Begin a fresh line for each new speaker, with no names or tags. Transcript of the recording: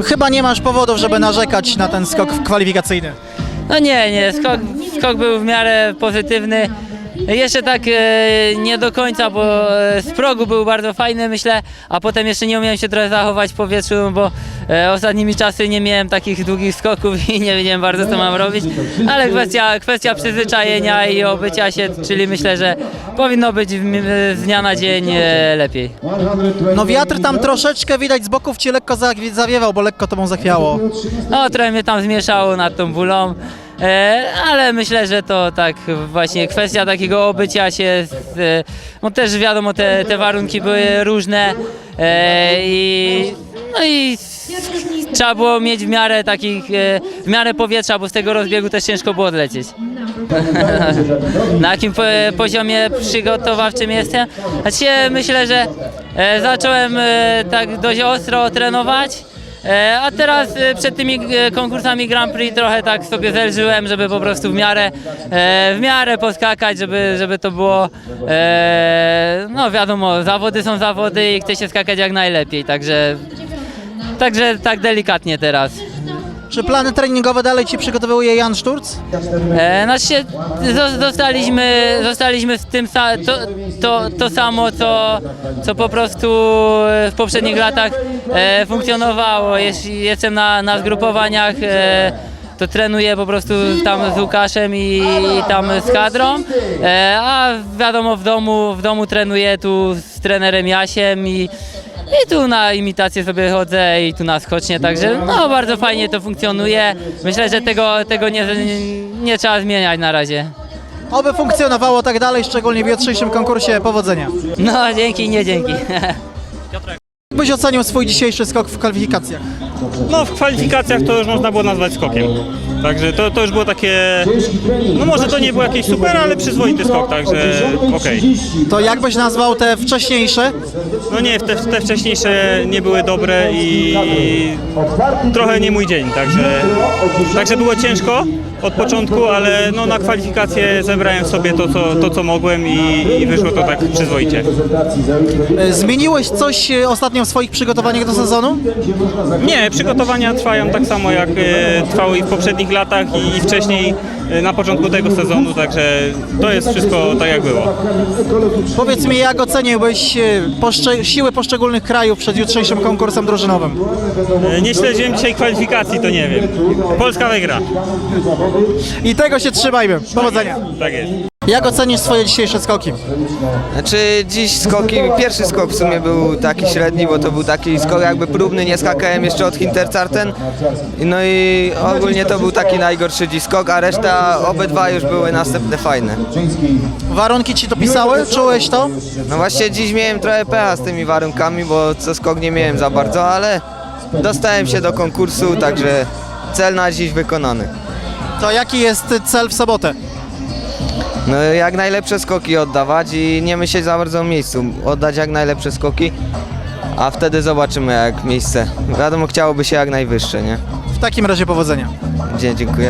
Chyba nie masz powodów, żeby narzekać na ten skok kwalifikacyjny.
No nie, skok był w miarę pozytywny. Jeszcze tak nie do końca, bo z progu był bardzo fajny, myślę, a potem jeszcze nie umiałem się trochę zachować w powietrzu, bo ostatnimi czasy nie miałem takich długich skoków i nie wiedziałem bardzo, co mam robić, ale kwestia przyzwyczajenia i obycia się, czyli myślę, że powinno być z dnia na dzień lepiej.
No wiatr tam troszeczkę widać z boków ci lekko zawiewał, bo lekko tobą zachwiało.
No trochę mnie tam zmieszało nad tą bólą. Ale myślę, że to tak właśnie kwestia takiego obycia się, no też wiadomo te warunki były różne no i trzeba było mieć w miarę w miarę powietrza, bo z tego rozbiegu też ciężko było odlecieć. Na jakim poziomie przygotowawczym jestem? Znaczy, myślę, że zacząłem tak dość ostro trenować. A teraz przed tymi konkursami Grand Prix trochę tak sobie zelżyłem, żeby po prostu w miarę poskakać, żeby to było, no wiadomo, zawody są zawody i chce się skakać jak najlepiej, także tak delikatnie teraz.
Czy plany treningowe dalej ci przygotowuje Jan Szturc?
Znaczy się, zostaliśmy w tym to samo, co po prostu w poprzednich latach funkcjonowało. Jeśli jestem na zgrupowaniach, to trenuję po prostu tam z Łukaszem i tam z kadrą, a wiadomo w domu trenuję tu z trenerem Jasiem i tu na imitację sobie chodzę i tu na skocznie, także no bardzo fajnie to funkcjonuje. Myślę, że tego nie trzeba zmieniać na razie.
Oby funkcjonowało tak dalej, szczególnie w jutrzejszym konkursie. Powodzenia.
No dzięki, nie dzięki.
Jak byś ocenił swój dzisiejszy skok w kwalifikacjach?
No w kwalifikacjach to już można było nazwać skokiem. Także to już było takie, no może to nie było jakieś super, ale przyzwoity skok, także okej.
To jak byś nazwał te wcześniejsze?
No nie, te wcześniejsze nie były dobre i trochę nie mój dzień, także było ciężko od początku, ale no na kwalifikacje zebrałem sobie to co mogłem i wyszło to tak przyzwoicie.
Zmieniłeś coś ostatnio w swoich przygotowaniach do sezonu?
Nie, przygotowania trwają tak samo jak trwały i w poprzednich latach i wcześniej na początku tego sezonu, także to jest wszystko tak jak było.
Powiedz mi, jak oceniłbyś siły poszczególnych krajów przed jutrzejszym konkursem drużynowym?
Nie śledziłem dzisiaj kwalifikacji, to nie wiem. Polska wygra.
I tego się trzymajmy. Powodzenia.
Tak jest.
Jak ocenisz swoje dzisiejsze skoki?
Znaczy dziś pierwszy skok w sumie był taki średni, bo to był taki skok jakby próbny, nie skakałem jeszcze od Hinterzarten. No i ogólnie to był taki najgorszy dziś skok, a reszta obydwa już były następne fajne.
Warunki ci to pisały? Czułeś to?
No właśnie dziś miałem trochę pecha z tymi warunkami, bo co skok nie miałem za bardzo, ale dostałem się do konkursu, także cel na dziś wykonany.
To jaki jest cel w sobotę?
No jak najlepsze skoki oddawać i nie myśleć za bardzo o miejscu, oddać jak najlepsze skoki, a wtedy zobaczymy jak miejsce. Wiadomo, chciałoby się jak najwyższe, nie?
W takim razie powodzenia.
Dziękuję.